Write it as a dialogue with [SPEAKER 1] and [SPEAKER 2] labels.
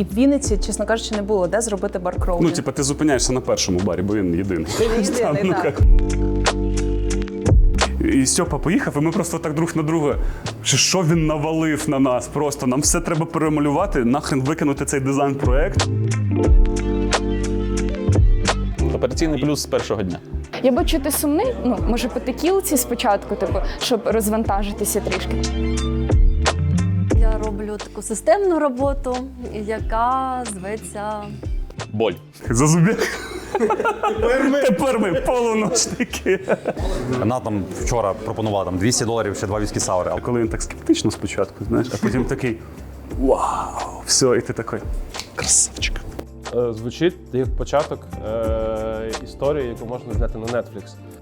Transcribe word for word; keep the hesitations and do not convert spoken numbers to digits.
[SPEAKER 1] І в Вінниці, чесно кажучи, не було де зробити бар Кроулі.
[SPEAKER 2] Ну, типу, ти зупиняєшся на першому барі, бо він єдиний.
[SPEAKER 1] Він єдиний,
[SPEAKER 2] Ну,
[SPEAKER 1] так.
[SPEAKER 2] як. І Стьопа поїхав, і ми просто так друг на друга, що що він навалив на нас просто, нам все треба перемалювати, нахрен викинути цей дизайн-проект.
[SPEAKER 3] Операційний плюс з першого дня.
[SPEAKER 4] Я бачу, ти сумний, ну, може, по текілці спочатку, типу, щоб розвантажитися трішки.
[SPEAKER 5] Я роблю таку системну роботу, яка зветься
[SPEAKER 3] Боль.
[SPEAKER 2] Зазубі. Тепер ми, Тепер ми полуночники.
[SPEAKER 6] Вона там вчора пропонувала там двісті доларів ще два віскі саури.
[SPEAKER 2] А коли він так скептично спочатку, знаєш, а потім такий вау, все, і ти такий красавчик.
[SPEAKER 7] Звучить як початок е- історії, яку можна зняти на Netflix.